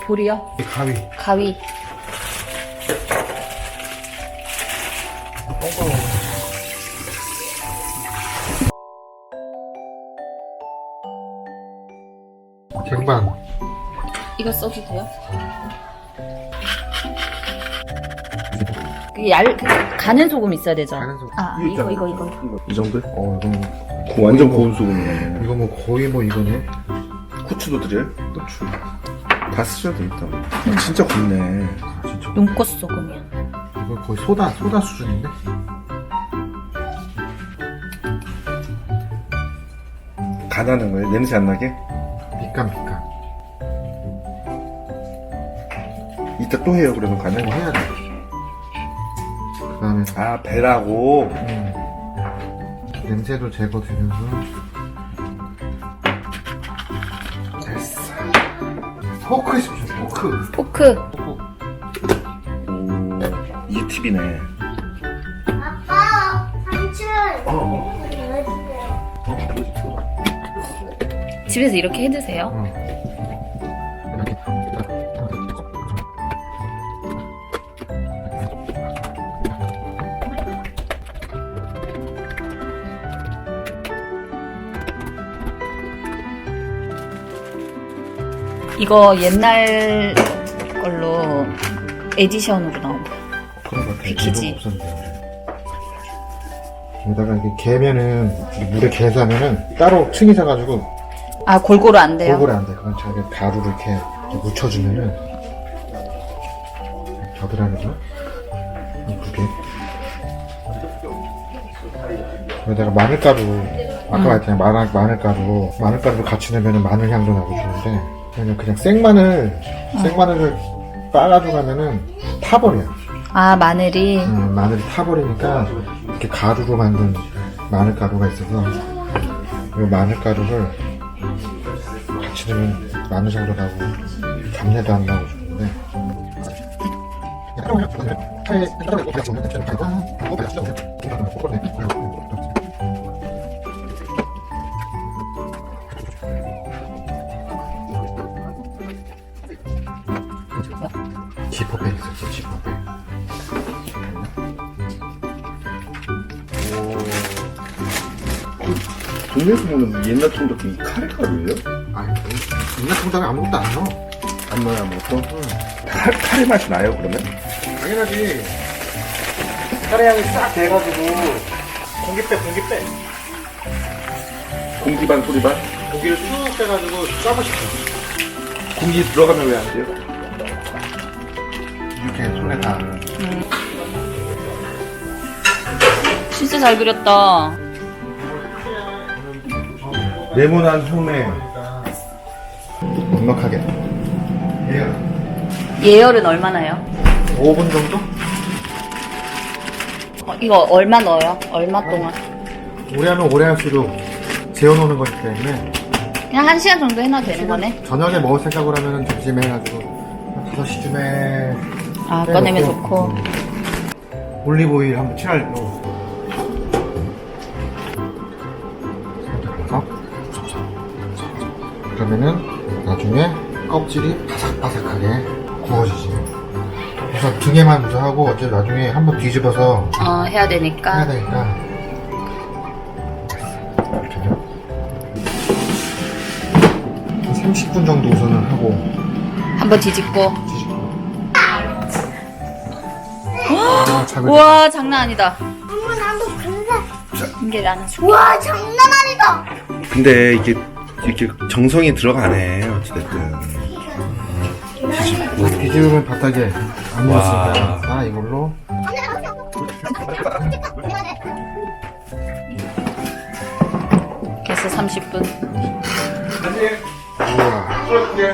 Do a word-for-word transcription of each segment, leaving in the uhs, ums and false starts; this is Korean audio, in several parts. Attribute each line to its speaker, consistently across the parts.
Speaker 1: 볼이요?
Speaker 2: 가위.
Speaker 1: 가위.
Speaker 2: 쟁반.
Speaker 1: 이거 써도 돼요? 그 얇, 그 가는 소금 있어야 되죠?
Speaker 2: 가는 소금.
Speaker 1: 아, 이거, 이거, 이거.
Speaker 3: 이 정도?
Speaker 2: 어, 이거는
Speaker 3: 고- 완전 고운 소금이네.
Speaker 2: 이거 뭐 거의 뭐 이거네.
Speaker 3: 후추도 드려요? 후추. 다 쓰셔도 되겠다. 아, 진짜 곱네.
Speaker 2: 진짜.
Speaker 1: 눈꽃 소금이야.
Speaker 2: 이거 거의 소다 소다 수준인데.
Speaker 3: 간하는 거예요? 냄새 안 나게?
Speaker 2: 밑간 밑간.
Speaker 3: 이따 또 해요, 그러면 간을?
Speaker 2: 이거 해야 돼. 그다음에
Speaker 3: 아, 배라고?
Speaker 2: 음, 냄새도 제거되면서. 됐어. 포크 있으면 포크.
Speaker 1: 포크.
Speaker 3: 오, 이게 팁이네.
Speaker 4: 아빠, 삼촌.
Speaker 3: 어.
Speaker 1: 집에서 이렇게 해 드세요.
Speaker 2: 어. 이렇게.
Speaker 1: 이거 옛날 걸로 에디션으로 나온 거.
Speaker 2: 그런 거 같아.
Speaker 1: 패키지.
Speaker 2: 이거 없었는데. 여기다가 이게 개면은 물에 개사면은 따로 층이 사가지고
Speaker 1: 아, 골고루 안 돼요?
Speaker 2: 골고루 안 돼. 그건 자기 가루를 이렇게, 이렇게 묻혀주면은 겨드랑이 좀 이쁘게. 여기다가 마늘가루 아까 말했잖아요. 마늘, 마늘가루 마늘가루를 같이 넣으면 마늘 향도 나고 좋은데 그냥 그냥 생마늘 생마늘을 빠가지고 하면은 타버려.
Speaker 1: 아, 마늘이.
Speaker 2: 음, 마늘이 타버리니까 이렇게 가루로 만든 마늘가루가 있어서 이 마늘가루를 같이 넣으면 마늘향도 나고 잡내도 안 나고 좋은데 지퍼백 있었어. 지퍼백.
Speaker 3: 동네에서 보는 옛날 통닭 이 카레가루예요?
Speaker 2: 아니, 옛날 통닭에 아무것도 안 넣어.
Speaker 3: 안 넣어요, 아무것도? 카, 카레 맛이 나요, 그러면?
Speaker 2: 당연하지. 카레 향이 싹 돼가지고 공기 빼, 공기 빼.
Speaker 3: 공기 반, 소리 반?
Speaker 2: 고기를 쑥 빼가지고 짜부시켜.
Speaker 3: 공기 들어가면 왜 안 돼요?
Speaker 2: 이렇게 손에 다.
Speaker 1: 진짜 잘 그렸다.
Speaker 3: 네모난 흉내.
Speaker 2: 넉넉하게.
Speaker 1: 예열은 얼마나요?
Speaker 2: 오 분 정도?
Speaker 1: 어, 이거 얼마 넣어요? 얼마 동안?
Speaker 2: 오래 하면 오래 할수록 재워놓는 거기 때문에
Speaker 1: 그냥 한 시간 정도 해놔도 되는 거네?
Speaker 2: 저녁에 먹을 생각으로 하면 점심에 해가지고 한 다섯 시쯤에
Speaker 1: 아, 꺼내면 좋고.
Speaker 2: 음. 올리브오일 한번 칠할 넣어. 그러면은 나중에 껍질이 바삭바삭하게 구워지지. 그래서 등에만 먼저 하고 어차피 나중에 한번 뒤집어서
Speaker 1: 어, 해야 되니까.
Speaker 2: 해야 되니까. 저녁 한 삼십 분 정도 우선은 하고
Speaker 1: 한번 뒤집고.
Speaker 2: 뒤집고. 아, 작은
Speaker 1: 우와, 장난 아니다.
Speaker 4: 엄마, 나도 갈래.
Speaker 1: 이게 나는 수
Speaker 4: 우와, 장난 아니다.
Speaker 3: 근데 이게, 이렇게 정성이 들어가네, 어찌됐든.
Speaker 2: 뒤집으면 바닥에 안
Speaker 3: 와.
Speaker 2: 묻었으니까 나 이걸로
Speaker 1: 그래서 삼십 분.
Speaker 2: 우와.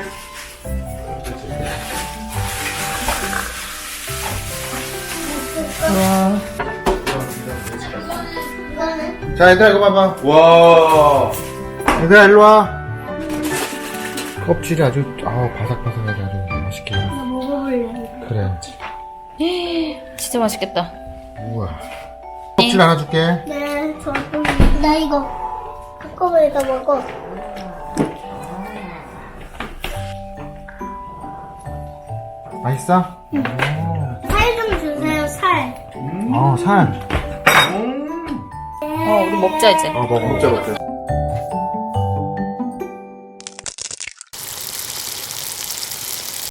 Speaker 1: 우와.
Speaker 4: 이거는?
Speaker 2: 자 얘들아 이거 봐봐.
Speaker 3: 와.
Speaker 2: 얘들아 일로와. 껍질이 아주 아우 바삭바삭하게 아주 맛있게.
Speaker 4: 나 먹어볼래.
Speaker 2: 그래.
Speaker 1: 진짜 맛있겠다.
Speaker 2: 우와. 껍질 하나 줄게.
Speaker 4: 네, 저, 나 이거 한꺼번에 다 먹어.
Speaker 2: 맛있어?
Speaker 4: 살 좀 주세요, 살.
Speaker 2: 어, 살.
Speaker 1: 어, 우리 먹자, 이제.
Speaker 2: 어, 먹어.
Speaker 3: 먹자 먹자.